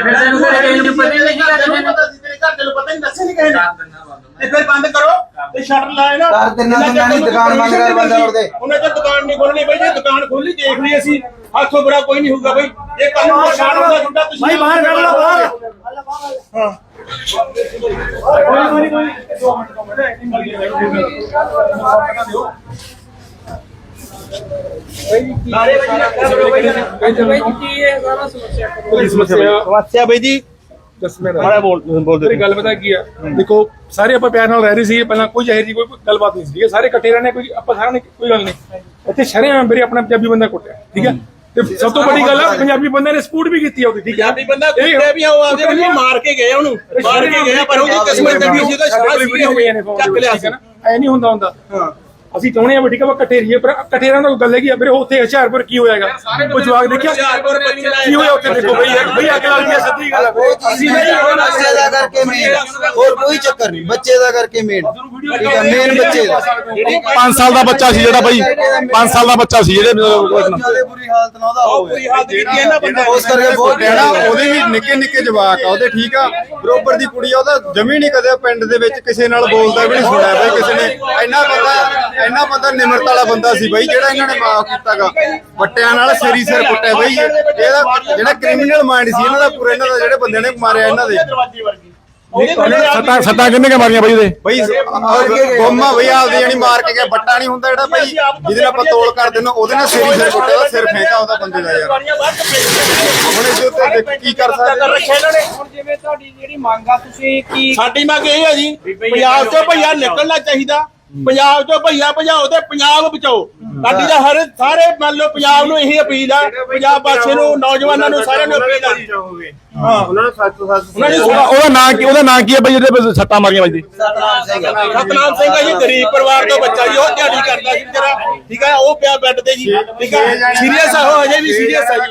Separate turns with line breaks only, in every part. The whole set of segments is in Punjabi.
ਪਤਾ ਨਹੀਂ ਦੱਸੇ ਨਹੀਂ ਕਿਸੇ ਨੇ ਫਿਰ ਬੰਦ ਕਰੋ ਤੇ ਸ਼ਟਰ ਲਾਏ ਨਾ
ਕਰ ਦਿੰਨਾ ਨਹੀਂ ਦੁਕਾਨ ਬੰਦ ਕਰ ਬੰਦਾ ਉਹਦੇ
ਉਹਨੇ ਤਾਂ ਦੁਕਾਨ ਨਹੀਂ ਖੋਲਣੀ ਬਈ ਜੇ ਦੁਕਾਨ ਖੋਲੀ ਦੇਖ ਲਈ ਅਸੀਂ ਹੱਥੋਂ ਬੜਾ ਕੋਈ ਨਹੀਂ ਹੋਊਗਾ ਬਈ ਇਹ ਕੱਲ ਨੂੰ ਨੁਕਸਾਨ ਹੁੰਦਾ ਤੁਹਾਡਾ ਤੁਸੀਂ ਭਾਈ ਬਾਹਰ ਕੱਢ ਲਓ ਬਾਹਰ ਹਾਂ ਕੋਈ 2
ਸਮੱਸਿਆ ਬਈ ਜੀ ਮੇਰੀ ਗੱਲ ਪਤਾ ਕੀ ਆ ਦੇਖੋ ਸਾਰੇ ਆਪਾਂ ਪਿਆਰ ਨਾਲ ਰਹਿ ਰਹੇ ਸੀ ਪਹਿਲਾਂ ਕੋਈ ਜ਼ਹਿਰ ਦੀ ਕੋਈ ਗੱਲਬਾਤ ਨਹੀਂ ਸੀ ਸਾਰੇ ਇਕੱਠੇ ਰਹਿਣੇ ਕੋਈ ਆਪਾਂ ਸਾਰਿਆਂ ਨੇ ਕੋਈ ਗੱਲ ਨਹੀਂ ਇੱਥੇ ਸ਼ਰੇਆਮ ਮੇਰੇ ਆਪਣਾ ਪੰਜਾਬੀ ਬੰਦਾ ਕੁੱਟਿਆ ਠੀਕ ਹੈ ਤੇ ਸਭ ਤੋਂ ਵੱਡੀ ਗੱਲ ਆ ਪੰਜਾਬੀ ਬੰਦੇ ਨੇ ਸਪੋਰਟ ਵੀ ਕੀਤੀ ਆ ਉਹਦੀ ਠੀਕ ਹੈ
ਪੰਜਾਬੀ ਬੰਦਾ ਕੁੱਟਿਆ ਵੀ ਉਹ ਆਦੇ ਵੀ ਮਾਰ ਕੇ ਗਏ ਉਹਨੂੰ ਮਾਰ ਕੇ ਗਏ ਪਰ ਉਹਦੀ ਕਿਸਮਤ ਤੇ ਵੀ ਸੀ ਉਹਦਾ ਸ਼ਾਬਾਸ਼ ਚੱਕ ਲਿਆ ਸੀ
ਐ ਨਹੀਂ ਹੁੰਦਾ ਹਾਂ ਅਸੀਂ ਚਾਹੁੰਦੇ ਆ ਵੀ ਠੀਕ ਆ ਇਕੱਠੇ ਰਹੀਏ ਪਰ ਇਕੱਠੇ ਰਹਿਣ ਦਾ ਗੱਲ ਹੈਗੀ ਆ ਵੀਰੇ ਉੱਥੇ ਹੁਸ਼ਿਆਰਪੁਰ ਕੀ ਹੋਇਆਗਾ ਕੋਈ ਜਵਾਕ ਦੇਖਿਆ ਕੀ ਹੋਇਆ ਉੱਥੇ ਦੇਖੋ ਬਈ ਅੱਗ ਲੱਗ ਗਈ ਸੱਚੀ ਗੱਲ
ਅਸੀਂ ਨਹੀਂ ਬੱਚੇ ਦਾ ਕਰਕੇ ਮੇਨ ਹੋਰ ਕੋਈ ਚੱਕਰ ਨਹੀਂ ਬੱਚੇ ਦਾ ਕਰਕੇ ਮੇਨ ਠੀਕ ਹੈ ਮੇਨ ਬੱਚੇ ਦਾ
5 ਸਾਲ ਦਾ ਬੱਚਾ ਸੀ ਜਿਹੜਾ ਬਈ 5 ਸਾਲ ਦਾ ਬੱਚਾ ਸੀ ਜਿਹੜੇ
ਬੁਰੀ ਹਾਲਤ ਨਾਲ ਉਹਦਾ ਹੋ
ਬੁਰੀ ਹਾਲਤ ਕੀਤੀ ਹੈ ਨਾ ਬੰਦਾ
ਉਸ ਕਰਕੇ ਬਹੁਤ
ਕਹਿਣਾ ਉਹਦੇ ਵੀ ਨਿੱਕੇ ਨਿੱਕੇ ਜਵਾਕ ਆ ਉਹਦੇ ਠੀਕ ਆ ਬਰੋਬਰ ਦੀ ਕੁੜੀ ਆ ਉਹਦਾ ਜਮੀ ਨਹੀਂ ਕਦੇ ਪਿੰਡ ਦੇ ਵਿੱਚ ਕਿਸੇ ਨਾਲ ਬੋਲਦਾ ਵੀ ਨਹੀਂ ਸੁਣਿਆ ਬਈ ਕਿਸੇ ਨੇ ਇੰਨਾ ਬੰਦਾ ਨਿਮਰਤਾ ਵਾਲਾ ਬੰਦਾ ਸੀ ਬਈ ਜਿਹੜਾ ਇਹਨਾਂ ਨੇ ਮਾਫ ਕੀਤਾਗਾ ਵੱਟਿਆਂ ਨਾਲ ਸਿਰੀ ਸਿਰ ਕੁੱਟਿਆ ਬਈ ਇਹਦਾ ਜਿਹੜਾ ਕ੍ਰਿਮੀਨਲ ਮਾਈਂਡ ਸੀ ਇਹਨਾਂ ਦਾ ਪੂਰਾ ਇਹਨਾਂ ਦਾ ਜਿਹੜੇ ਬੰਦਿਆਂ ਨੇ ਮਾਰਿਆ ਇਹਨਾਂ ਦੇ ਸੱਤਾਂ ਕਿੰਨੇ ਕੇ ਮਾਰੀਆਂ ਬਈ ਉਹਦੇ ਬਈ ਗੋਮਾ ਬਈ ਆਪਦੇ ਜਾਨੀ ਮਾਰ ਕੇ ਗਿਆ ਵੱਟਾ ਨਹੀਂ ਹੁੰਦਾ ਜਿਹੜਾ ਬਈ ਜਿਹਦੇ ਨਾਲ ਆਪਾਂ ਤੋਲ ਕਰ ਦਿੰਦੇ ਉਹਦੇ ਨਾਲ ਸਿਰੀ ਸਿਰ ਕੁੱਟਿਆ ਉਹਦਾ ਸਿਰ ਫੇਂਕਾ ਉਹਦਾ ਬੰਦੇ ਦਾ ਯਾਰ ਹੁਣ ਇਹਦੇ ਉੱਤੇ ਕੀ ਕਰ ਸਕਦੇ
ਹੁਣ ਜਿਵੇਂ ਤੁਹਾਡੀ ਜਿਹੜੀ ਮੰਗ ਆ ਤੁਸੀਂ ਕੀ
ਸਾਡੀ ਮੰਗ ਇਹ ਹੈ ਜੀ ਪੰਜਾਬ ਚੋਂ ਭਈਆ ਨਿਕਲਣਾ ਚਾਹੀਦਾ ਪੰਜਾਬ ਚੋਂ ਭਈਆ ਭਜਾਓ ਤੇ ਪੰਜਾਬ ਬਚਾਓ ਸਾਡੀ ਦਾ ਹਰ ਸਾਰੇ ਮੰਨ ਲਓ ਪੰਜਾਬ ਨੂੰ ਇਹੀ ਅਪੀਲ ਆ ਪੰਜਾਬ ਵਾਸੀਆਂ ਨੂੰ ਨੌਜਵਾਨਾਂ ਨੂੰ ਸਾਰਿਆਂ ਨੂੰ ਅਪੀਲ ਆ ਹਾਂ ਉਹਨਾਂ ਨੂੰ
ਉਹਦਾ ਨਾਂ ਕੀ ਹੈ ਬਈ ਜਿਹਦੇ ਸੱਟਾਂ ਮਾਰੀਆਂ ਵੱਜਦੀ
ਸਤਨਾਮ ਸਿੰਘ ਜੀ ਗਰੀਬ ਪਰਿਵਾਰ ਤੋਂ ਬੱਚਾ ਜੀ ਉਹ ਦਿਹਾੜੀ ਕਰਦਾ ਸੀ ਵਿਚਾਰਾ ਠੀਕ ਹੈ ਉਹ ਪਿਆ ਬੈੱਡ ਤੇ ਜੀ ਠੀਕ ਹੈ ਸੀਰੀਅਸ ਆ ਉਹ ਹਜੇ ਵੀ ਸੀਰੀਅਸ ਆ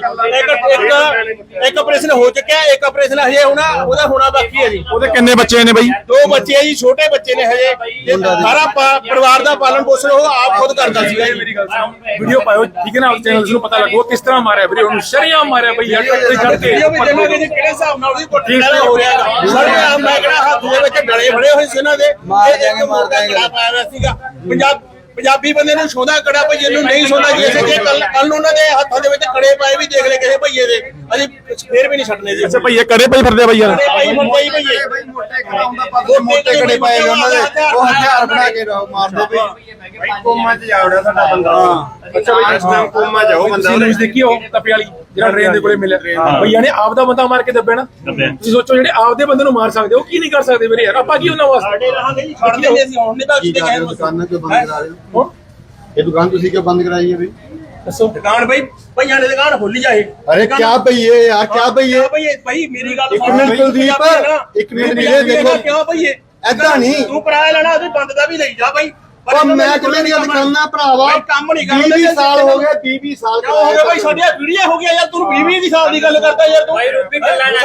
ਜੀ ਇੱਕ ਆਪਰੇਸ਼ਨ ਹੋ ਚੁੱਕਿਆ ਇੱਕ ਆਪਰੇਸ਼ਨ ਹਜੇ ਉਹਦਾ ਹੋਣਾ ਬਾਕੀ ਹੈ ਜੀ
ਉਹਦੇ ਕਿੰਨੇ ਬੱਚੇ ਨੇ ਬਈ
2 ਬੱਚੇ ਆ ਜੀ ਛੋਟੇ ਬੱਚੇ ਨੇ ਹਜੇ ਸਾਰਾ ਪਰਿਵਾਰ ਦਾ ਪਾਲਣ ਪੋਸ਼ਣ ਉਹ ਆਪ ਖੁਦ ਕਰਦਾ ਸੀਗਾ ਜੀ
ਮੇਰੀ ਗੱਲ ਸੁਣੋ ਵੀਡੀਓ ਪਾਇਓ ਠੀਕ ਹੈ ਨਾ ਚੈਨਲ ਨੂੰ ਪਤਾ ਲੱਗੋ ਕਿਸ ਤਰ੍ਹਾਂ ਮਾਰਿਆ ਵੀਰੇ ਉਹਨੂੰ ਸ਼ਰੇਆਮ ਮਾਰਿਆ ਬਈ ਯਾਰ ਤੇ ਚੜ ਕੇ
ਕਿਹੜੇ ਹਿਸਾਬ ਨਾਲ ਉਹਦੀ ਕੋਠੀ ਹੋ ਰਿਹਾ ਸਾਰੇ ਮੈਂ ਕਿਹੜਾ ਹੱਥ ਦੇ ਵਿੱਚ ਡਲੇ ਫੜੇ ਹੋਏ ਸੀ ਇਹਨਾਂ ਦੇ
ਮਾਰ ਦਿਆਂਗੇ
ਪਾਇਆ ਹੋਇਆ ਸੀਗਾ ਪੰਜਾਬੀ ਬੰਦੇ ਨੂੰ ਸੌਦਾ ਕੜਾ ਭਈਏ ਨੂੰ ਨਹੀਂ ਸੌਦਾ ਜੀ ਜੇ ਕੱਲ ਨੂੰ ਉਹਨਾਂ ਦੇ ਹੱਥਾਂ ਦੇ ਵਿੱਚ ਕੜੇ ਪਾਏ ਵੀ ਦੇਖ ਲੈ ਕਿਸੇ ਭਈਏ ਦੇ ਅਸੀਂ ਫੇਰ ਵੀ ਨਹੀਂ ਛੱਡਨੇ ਜੀ
ਅੱਛਾ ਭਈਏ ਕੜੇ ਪਈ ਫਿਰਦੇ ਬਈ ਯਾਰ
ਭਈਏ
ਮੋਟੇ ਕੜੇ ਪਾਏ ਉਹਨਾਂ ਦੇ ਉਹ ਹਥਿਆਰ ਬਣਾ ਕੇ ਮਾਰਦੇ ਬਈ
ਕੋਮਾ ਚ ਜਾਵੜਾ ਸਾਡਾ ਬੰਦਾ ਅੱਛਾ ਬਈ ਇਸ ਟਾਈਮ ਕੋਮਾ ਜਾਓ ਬੰਦਾ ਤੁਸੀਂ ਦੇਖਿਓ ਤਪੇ ਵਾਲੀ ਜਿਹੜਾ ਟ੍ਰੇਨ ਦੇ ਕੋਲੇ ਮਿਲਿਆ ਭਈਆ ਨੇ ਆਪ ਦਾ ਬੰਦਾ ਮਾਰ ਕੇ ਦੱਬਿਆ ਨਾ ਤੁਸੀਂ ਸੋਚੋ ਜਿਹੜੇ ਆਪਦੇ ਬੰਦੇ ਨੂੰ ਮਾਰ ਸਕਦੇ ਉਹ ਕੀ ਨਹੀਂ ਕਰ ਸਕਦੇ ਵੀਰੇ ਯਾਰ ਆਪਾਂ ਕੀ ਉਹਨਾਂ ਵਾਸਤੇ
ਰਹਾਂਗੇ ਜੀ ਛੱਡ ਦਿੰਦੇ ਅਸੀਂ ਹੁਣ ਨਹੀਂ ਤਾਂ ਕਿਤੇ ਗਏ
ਦੁਕਾਨਾਂ ਕਿਉਂ ਬੰਦ ਕਰਾ ਰਹੇ ਹੋ ਇਹ ਦੁਕਾਨ ਤੁਸੀਂ ਕਿਉਂ ਬੰਦ ਕਰਾਈ ਹੈ ਬਈ
ਦੱਸੋ ਦੁਕਾਨ ਬਈ ਭਈਆਂ ਨੇ ਦੁਕਾਨ ਖੋਲੀ ਜਾਏ
ਅਰੇ ਕਿਆ ਭਈਏ ਯਾਰ ਕਿਆ ਭਈਏ
ਭਾਈ ਮੇਰੀ ਗੱਲ
ਇੱਕ ਮਿੰਟ ਕੁਲਦੀਪ ਇੱਕ ਮਿੰਟ ਵੀਰੇ ਦੇਖੋ
ਕਿਉਂ ਭਈਏ
ਐਦਾਂ ਨਹੀਂ
ਤੂੰ ਕਿਰਾਇਆ ਲੈਣਾ ਉਹਦੇ ਬੰਦ ਦਾ ਵੀ ਲਈ ਜਾ ਭਾਈ
ਉਹ ਮੈਂ ਕਿਵੇਂ ਨਹੀਂ ਕਰਨਾ ਭਰਾਵਾ
ਕੰਮ ਨਹੀਂ ਕਰਦਾ
20 ਸਾਲ ਹੋ ਗਏ 20 ਸਾਲ
ਕਿਉਂ ਹੋ ਗਿਆ ਭਾਈ ਸਾਡੀਆਂ ਪੀੜੀਆਂ ਹੋ ਗਿਆ ਯਾਰ ਤੂੰ 20 ਦੀ ਸਾਲ ਦੀ ਗੱਲ ਕਰਦਾ ਯਾਰ ਤੂੰ ਭਾਈ ਰੂਪੀ ਕੱਲਾ ਨਾ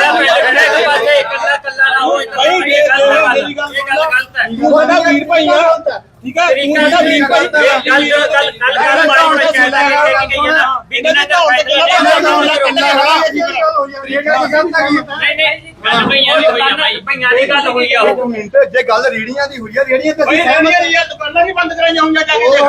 ਭਾਈ ਮੇਰੀ ਗੱਲ ਗਲਤ ਹੈ ਤੂੰ ਸਾਡਾ ਵੀਰ ਭਾਈ ਆ ਠੀਕ ਹੈ ਤੂੰ ਸਾਡਾ ਵੀਰ ਭਾਈ
ਜੇ ਗੱਲ ਰੇੜੀਆਂ ਦੀ ਹੋਈ ਆ ਰੇੜੀਆਂ ਤੇ
ਦੁਕਾਨਾਂ ਵੀ ਬੰਦ ਕਰਾਈਆਂ ਹੋਈਆਂ ਜਾ ਕੇ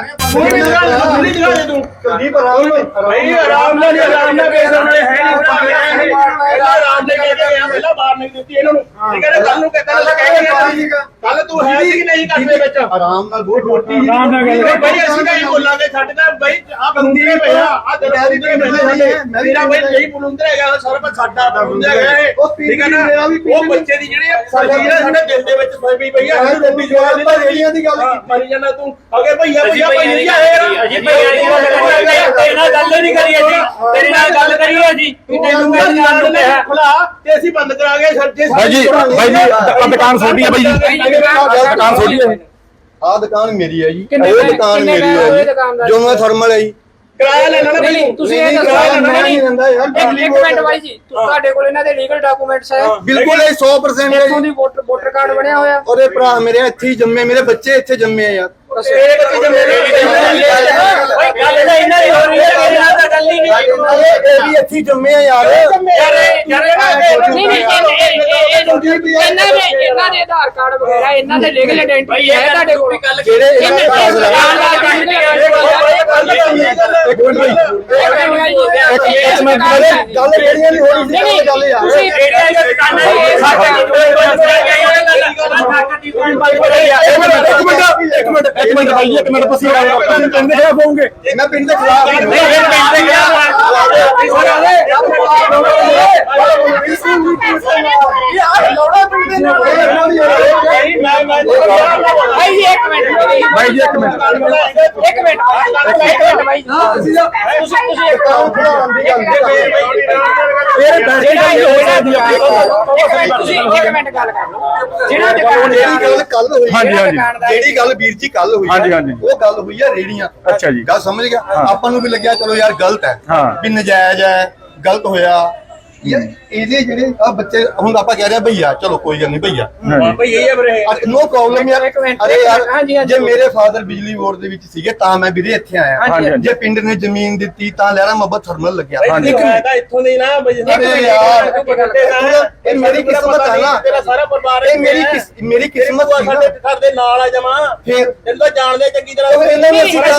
ਕੁਲਦੀਪ
ਆਰਾਮ ਨਾਲ ਬੇਸ ਉਹਨਾਂ ਨੇ ਹੈ ਨਹੀਂ ਆਰਾਮ ਨਾਲ ਪਹਿਲਾਂ ਬਾਹਰ ਨਹੀਂ ਦਿੱਤੀ ਇਹਨਾਂ ਨੂੰ ਠੀਕ ਹੈ ਕੱਲ ਨੂੰ ਕੱਲ ਤੂੰ ਹੈ ਸੀ ਕਿ ਨਹੀਂ ਕਰਦੇ ਵਿੱਚ
ਆਰਾਮ ਨਾਲ ਬਹੁਤ ਰੋਟੀ
ਆਰਾਮ ਨਾਲ ਗੱਲ
ਬਈ ਅਸੀਂ ਤਾਂ ਇਹ ਬੋਲਾਂਗੇ ਸਾਡੇ ਤਾਂ ਬਈ ਆ ਬੰਦੀ ਨੇ ਪਿਆ ਆ ਦਰਵਾਜ਼ੇ ਤੇ ਮੇਰਾ ਬਈ ਨਹੀਂ ਬੁਲੰਦਰ ਹੈਗਾ ਸਰਬ ਸਾਡਾ ਬੁਲੰਦਰ ਹੈਗਾ ਇਹ ਠੀਕ ਹੈ ਨਾ ਉਹ ਬੱਚੇ ਦੀ ਜਿਹੜੀ ਸਾਡੇ ਦਿਲ ਦੇ ਵਿੱਚ ਪਈ ਪਈ ਆ ਰੋਟੀ ਜਵਾਬ ਦੀ ਰੇੜੀਆਂ ਦੀ ਗੱਲ ਮਾਰੀ ਜਾਂਦਾ ਤੂੰ ਅਗੇ ਭਈਆ
ਅਜੀ ਤੇਰੇ ਨਾਲ ਗੱਲ ਨਹੀਂ ਕਰੀ ਅਜੀ ਤੇਰੇ ਨਾਲ ਗੱਲ ਕਰੀ ਅਜੀ
ਤੈਨੂੰ ਖੁਲਾ ਤੇ ਅਸੀਂ ਬੰਦ ਕਰਾਂਗੇ ਸੱਜੇ
ਬਾਈ ਜੀ ਦੁਕਾਨ ਛੋਟੀ ਹੈ ਬਾਈ ਜੀ ਦੁਕਾਨ ਛੋਟੀ ਹੈ
ਆ ਦੁਕਾਨ ਮੇਰੀ ਹੈ ਜੀ ਇਹ ਦੁਕਾਨ ਮੇਰੀ ਹੈ ਜੀ ਜੋ ਮੈਂ ਥਰਮਲ ਹੈ ਜੀ
ਕਿਰਾਇਆ ਲੈਣਾ ਨਾ
ਨਹੀਂ ਤੁਸੀਂ ਇਹ
ਨਹੀਂ ਦਿੰਦਾ ਯਾਰ
ਇੱਕ ਮਿੰਟ ਬਾਈ ਜੀ ਤੁਹਾਡੇ ਕੋਲ ਇਹਨਾਂ ਦੇ ਲੀਗਲ ਡਾਕੂਮੈਂਟਸ ਹੈ
ਬਿਲਕੁਲ ਇਹ 100% ਹੈ
ਇੱਥੋਂ ਦੀ ਵੋਟਰ ਕਾਰਡ ਬਣਿਆ ਹੋਇਆ
ਉਹਦੇ ਭਰਾ ਮੇਰੇ ਇੱਥੇ ਹੀ ਜੰਮੇ ਮੇਰੇ ਬੱਚੇ ਇੱਥੇ ਜੰਮੇ ਆ ਯਾਰ
ਇਹ ਬੱਚੇ ਜੰਮੇ
ਗੱਲ ਤਾਂ ਇਹਨਾਂ ਦੀ ਹੋ ਰਹੀ ਹੈ ਮੇਰੇ ਨਾਲ ਤਾਂ ਗੱਲ ਹੀ ਨਹੀਂ
ਇਹ ਵੀ ਇੱਥੇ ਹੀ ਜੰਮੇ ਆ ਯਾਰ
ਯਾਰ
ਇਹਨਾਂ ਦੇ ਆਧਾਰ ਕਾਰਡ ਵਗੈਰਾ ਇਹਨਾਂ ਦੇ ਲੀਗਲ ਆਇਡੈਂਟੀ ਹੈ ਤੁਹਾਡੇ ਕੋਲ
ਜਿਹੜੇ ਗੱਲ ਕਿਹੜੀਆਂ ਨਹੀਂ ਹੋਣੀ ਸੀ ਗੱਲ ਯਾਰ
ਇੱਕ ਮਿੰਟ ਤੁਸੀਂ ਪਿੰਡ ਦੇ ਖਿਲਾਫ ਹੋਵੋਗੇ
ਮੈਂ ਪਿੰਡ ਦੇ ਖਿਲਾਫ
ਭਾਈ ਜੀ ਇੱਕ ਮਿੰਟ
ਜਿਹੜੀ ਗੱਲ ਵੀਰ ਜੀ ਕੱਲ ਹੋਈ ਉਹ ਗੱਲ ਹੋਈ ਆ ਰੇੜੀਆਂ
ਅੱਛਾ ਜੀ
ਗੱਲ ਸਮਝ ਗਿਆ ਆਪਾਂ ਨੂੰ ਵੀ ਲੱਗਿਆ ਚਲੋ ਯਾਰ ਗਲਤ ਹੈ ਵੀ ਨਜਾਇਜ਼ ਹੈ ਗਲਤ ਹੋਇਆ ਯਾਰ ਇਹਦੇ ਜਿਹੜੇ ਆ ਬੱਚੇ ਹੁਣ ਆਪਾਂ ਕਹਿ ਰਹੇ ਆ ਭਈਆ ਚਲੋ ਕੋਈ ਗੱਲ ਨਹੀਂ ਭਈਆ
ਭਈ ਇਹ ਹੈ ਵੀਰੇ
ਨੋ ਪ੍ਰੋਬਲਮ ਯਾਰ ਅਰੇ ਯਾਰ ਜੇ ਮੇਰੇ ਫਾਦਰ ਬਿਜਲੀ ਬੋਰਡ ਦੇ ਵਿੱਚ ਸੀਗੇ ਤਾਂ ਮੈਂ ਵੀਰੇ ਇੱਥੇ ਆਇਆ ਜੇ ਪਿੰਡ ਨੇ ਜ਼ਮੀਨ ਦਿੱਤੀ ਤਾਂ ਲਹਿਰਾ ਮੁਹੱਬਤ ਥਰਮਲ ਲੱਗਿਆ
ਮੈਂ ਤਾਂ ਇੱਥੋਂ ਦੇ ਨਾ
ਅਰੇ ਯਾਰ ਇਹ ਮੇਰੀ ਕਿਸਮਤ ਹੈ ਨਾ
ਤੇਰਾ ਸਾਰਾ ਪਰਿਵਾਰ
ਇਹ ਮੇਰੀ ਕਿਸਮਤ ਸੀ ਨਾ
ਸਾਡੇ ਘਰ ਦੇ ਨਾਲ ਆ ਜਾਵਾਂ
ਫਿਰ
ਤੈਨੂੰ ਤਾਂ ਜਾਣਦੇ ਚੰਗੀ ਤਰ੍ਹਾਂ
ਇਹਨਾਂ ਨੇ ਅਸੀਂ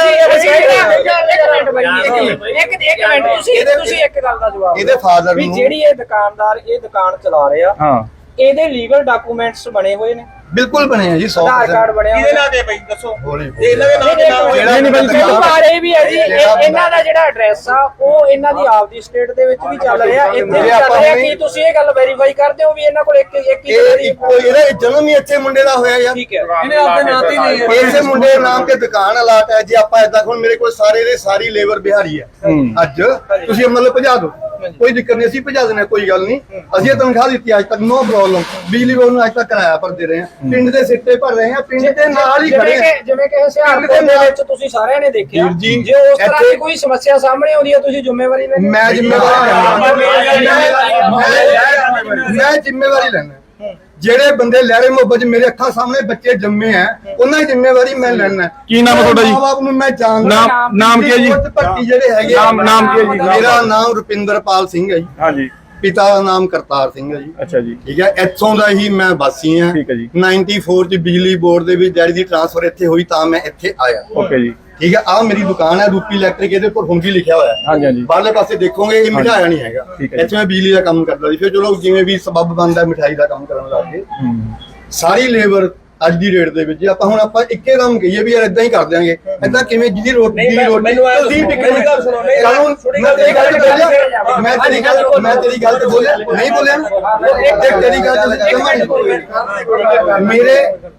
ਤੁਸੀਂ ਇੱਕ ਗੱਲ ਦਾ ਜਵਾਬ
ਇਹਦੇ ਫਾਦਰ
ਵੀ
ਨੂੰ
ਜਿਹੜੀ ਇਹ ਦੁਕਾਨਦਾਰ ਇਹ ਦੁਕਾਨ ਚਲਾ ਰਿਹਾ
ਹਾਂ
ਇਹਦੇ ਲੀਗਲ ਡਾਕੂਮੈਂਟਸ ਬਣੇ ਹੋਏ ਨੇ
ਬਿਲਕੁਲ ਬਣੇ ਆ ਜੀ 100%
ਆਧਾਰ ਕਾਰਡ ਬਣਿਆ
ਕਿਹਦੇ ਨਾਂ ਤੇ ਬਈ ਦੱਸੋ
ਹੌਲੀ
ਤੇ ਇਹਨਾਂ ਦੇ ਨਾਂ ਤੇ ਨਾ
ਜਿਹੜਾ
ਨਹੀਂ ਬਈ
ਬਾਰੇ ਵੀ ਹੈ ਜੀ ਇਹਨਾਂ ਦਾ ਜਿਹੜਾ ਐਡਰੈਸ ਆ ਉਹ ਇਹਨਾਂ ਦੀ ਆਪਦੀ ਸਟੇਟ ਦੇ ਵਿੱਚ ਵੀ ਚੱਲ ਰਿਹਾ ਇੱਥੇ ਵੀ ਚੱਲ ਰਿਹਾ ਕੀ ਤੁਸੀਂ ਇਹ ਗੱਲ ਵੈਰੀਫਾਈ ਕਰਦੇ ਹੋ ਵੀ ਇਹਨਾਂ ਕੋਲ ਇੱਕ ਹੀ
ਇਹ ਇੱਕੋ ਇਹਦਾ ਜਨਮ ਹੀ ਇੱਥੇ ਮੁੰਡੇ ਦਾ ਹੋਇਆ ਯਾਰ
ਠੀਕ ਹੈ ਇਹਨੇ ਆਪਦੇ ਨਾਂ ਤੇ ਨਹੀਂ
ਇਸੇ ਮੁੰਡੇ ਦੇ ਨਾਮ ਤੇ ਦੁਕਾਨ ਅਲਾਟ ਹੈ ਜੇ ਆਪਾਂ ਏਦਾਂ ਹੁਣ ਮੇਰੇ ਕੋਲ ਸਾਰੇ ਦੇ ਸਾਰੀ ਲੇਬਰ ਬਿਹਾਰੀ ਹੈ ਅੱਜ ਤੁਸੀਂ ਮਤਲਬ ਭਜਾ ਦਿਓ ਕੋਈ ਦਿੱਕਤ ਨਹੀਂ ਅਸੀਂ ਭਜਾ ਦੇਣਾ ਕੋਈ ਗੱਲ ਨਹੀਂ ਅਸੀਂ ਤਨਖਾਹ ਦਿੱਤੀ ਅੱਜ ਤੱਕ ਨੋ ਪ੍ਰੋਬਲਮ ਬਿਜਲੀ ਬੋਰਡ ਨੂੰ ਅੱਜ ਤੱਕ ਕਿਰਾਇਆ ਭਰਦੇ ਰਹੇ ਹਾਂ ਪਿੰਡ ਦੇ ਸਿੱਟੇ ਭਰ ਰਹੇ ਹਾਂ ਪਿੰਡ ਦੇ ਨਾਲ ਹੀ ਖੜੇ ਹਾਂ
ਜਿਵੇਂ ਕਿ ਹੁਸ਼ਿਆਰਪੁਰ ਦੇ ਵਿੱਚ ਤੁਸੀਂ ਸਾਰਿਆਂ ਨੇ ਦੇਖਿਆ
ਵੀਰ ਜੀ,
ਜੇ ਉਸ ਤਰ੍ਹਾਂ ਦੀ ਕੋਈ ਸਮੱਸਿਆ ਸਾਹਮਣੇ ਆਉਂਦੀ ਹੈ ਤੁਸੀਂ ਜ਼ਿੰਮੇਵਾਰੀ ਲੈਣੀ
ਮੈਂ ਜ਼ਿੰਮੇਵਾਰੀ ਲੈਣਾ ਜਿਹੜੇ ਬੰਦੇ ਲਹਿਰੇ ਮੁਹੱਬਤ ਮੇਰੇ ਅੱਖਾਂ ਸਾਹਮਣੇ ਬੱਚੇ ਜੰਮੇ ਆ ਉਹਨਾਂ ਦੀ ਜ਼ਿੰਮੇਵਾਰੀ ਮੈਂ ਲੈਣਾ
ਕੀ ਨਾਮ ਹੈ ਤੁਹਾਡਾ ਜੀ?
ਮਾਂ-ਬਾਪ ਨੂੰ ਮੈਂ ਜਾਣਦਾ
ਨਾਮ ਕੀ ਹੈ ਜੀ?
ਭਰਤੀ ਜਿਹੜੇ ਹੈਗੇ
ਨਾਮ ਕੀ ਹੈ ਜੀ?
ਮੇਰਾ ਨਾਮ ਰੁਪਿੰਦਰਪਾਲ ਸਿੰਘ ਹੈ ਜੀ
ਹਾਂਜੀ
ਪਿਤਾ ਦਾ ਨਾਮ ਕਰਤਾਰ ਸਿੰਘ ਹੈ ਜੀ
ਅੱਛਾ ਜੀ
ਠੀਕ ਹੈ ਇੱਥੋਂ ਦਾ ਹੀ ਮੈਂ ਵਾਸੀ ਹਾਂ
ਠੀਕ ਹੈ ਜੀ
94 ਚ ਬਿਜਲੀ ਬੋਰਡ ਦੇ ਵਿੱਚ ਡੈਡੀ ਦੀ ਟ੍ਰਾਂਸਫਰ ਇੱਥੇ ਹੋਈ ਤਾਂ ਮੈਂ ਇੱਥੇ ਆਇਆ
ਓਕੇ ਜੀ
ਠੀਕ ਹੈ ਆਹ ਮੇਰੀ ਦੁਕਾਨ ਹੈ ਰੂਪੀ ਇਲੈਕਟ੍ਰਿਕ ਇਹਦੇ ਉੱਪਰ ਹੁੰਗੀ ਲਿਖਿਆ ਹੋਇਆ ਹੈ
ਹਾਂਜੀ ਹਾਂਜੀ
ਬਾਹਰਲੇ ਪਾਸੇ ਦੇਖੋਗੇ ਇਹ ਮਿਠਾਇਆ ਨਹੀਂ ਹੈਗਾ
ਠੀਕ ਹੈ ਜੀ।
ਇੱਥੇ ਮੈਂ ਬਿਜਲੀ ਦਾ ਕੰਮ ਕਰਦਾ ਸੀ ਫਿਰ ਚਲੋ ਜਿਵੇਂ ਵੀ ਸਬੱਬ ਬਣਦਾ ਮਿਠਾਈ ਦਾ ਕੰਮ ਕਰਨ ਲੱਗ ਗਏ ਸਾਰੀ ਲੇਬਰ ਅੱਜ ਦੀ ਰੇਟ ਦੇ ਵਿੱਚ ਆਪਾਂ ਹੁਣ ਆਪਾਂ ਇੱਕੇ ਕੰਮ ਕਹੀਏ ਵੀ ਯਾਰ ਇਦਾਂ ਹੀ ਕਰ ਦਿਆਂਗੇ ਇਦਾਂ ਕਿਵੇਂ ਜਿਹਦੀ ਰੋਟੀ ਦੀ ਰੋਟੀ
ਮੈਨੂੰ ਐਂ
ਤੁਸੀਂ
ਦੱਸੋ, ਮੇਰੀ ਗੱਲ ਸੁਣੋ, ਨਹੀਂ,
ਕਾਨੂੰਨ
ਥੋੜ੍ਹੀ
ਮੈਂ ਤੇਰੀ ਗੱਲ ਤੇ ਬੋਲਿਆ
ਮੈਂ
ਮੈਂ ਤੇਰੀ ਗੱਲ ਤੇ ਬੋਲਿਆ ਨਹੀਂ ਬੋਲਿਆ ਨਾ? ਇੱਕ ਤੇਰੀ ਗੱਲ ਤੇ ਜਮਾ ਨਹੀਂ ਮੇਰੇ